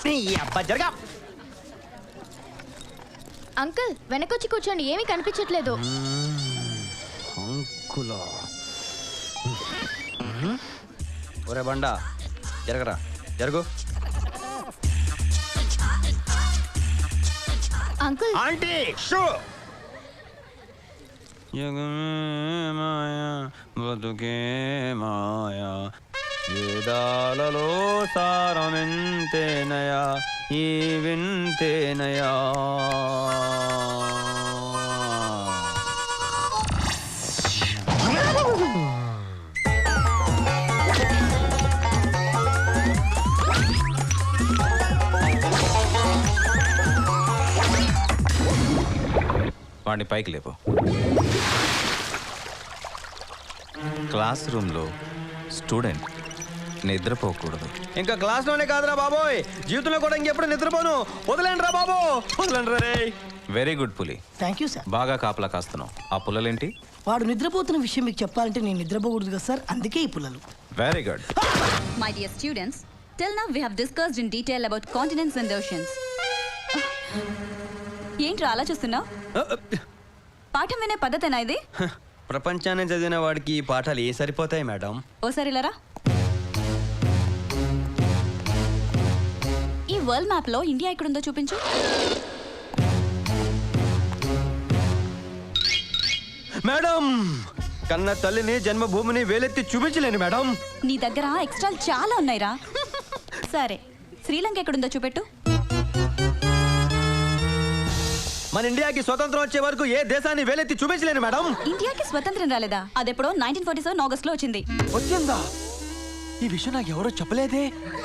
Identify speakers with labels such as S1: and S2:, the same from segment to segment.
S1: జరగా.
S2: Uncle వెనకొచ్చి కూర్చోండి, ఏమీ కనిపించట్లేదు.
S1: అంకులా ఒరే బండా జరగరా, జరుగు.
S2: Uncle
S1: aunty shoe. మాయా బతుకే మాయా, వేదాలలో సారమెంతేనయా ఈ వింతేనయా.
S3: వాడిని పైకి లేపు. క్లాస్ రూమ్లో స్టూడెంట్ నిద్రపోకూడదు.
S1: ఇంకా క్లాస్లోనే కాదురా బాబోయ్, జీవితంలో కూడా ఇంకెప్పుడు నిద్రపోను. వదలండి రా బాబు, వదలండి రే.
S3: వెరీ గుడ్ పులి,
S4: థ్యాంక్ యూ సార్.
S3: బాగా కాపలా కాస్తున్నావు. ఆ పుల్లలేంటి?
S4: వాడు నిద్రపోతున్న విషయం మీకు చెప్పాలంటే నేను నిద్రపోకూడదు కదా సార్, అందుకే ఈ పుల్లలు.
S3: Very good.
S5: My dear students, till now we have discussed in detail about continents and oceans. ఏంట్రా అలా చూస్తున్నావు? పాఠం వినే పద్ధతేనా ఇది?
S1: ప్రపంచాన్ని చదివిన వాడికి ఈ పాఠాలు ఏ సరిపోతాయి మేడం?
S5: ఓసారి ఇలారా. ఈ వరల్డ్ మ్యాప్ లో ఇండియా ఎక్కడుందో చూపించు.
S1: మేడం, కన్న తల్లిని జన్మభూమిని వేలెత్తి చూపించలేను మేడం.
S5: నీ దగ్గర ఎక్స్ట్రా చాలా ఉన్నాయిరా. సరే, శ్రీలంక ఎక్కడుందో చూపెట్టు.
S1: మన ఇండియాకి స్వతంత్రం వచ్చే వరకు ఏ దేశాన్ని వేలెత్తి చూపించలేను మేడం.
S5: ఇండియాకి స్వతంత్రం రాలేదా? అదెప్పుడో 1947 ఆగస్ట్ లో వచ్చింది.
S1: వచ్చిందా? ఈ విషయం నాకు ఎవరో చెప్పలేదే.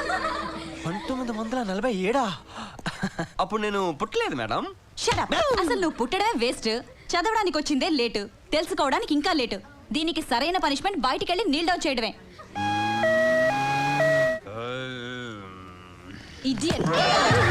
S1: 1947. అప్పుడు నేను పుట్టలేదు మేడం.
S5: Shut up. అసలు నువ్వు పుట్టడమే వేస్ట్, చదవడానికి వచ్చిందే లేటు, తెలుసుకోవడానికి ఇంకా లేటు. దీనికి సరైన పనిష్మెంట్ బయటికెళ్ళి నీల్ డౌన్ చేయడమే. Idiot.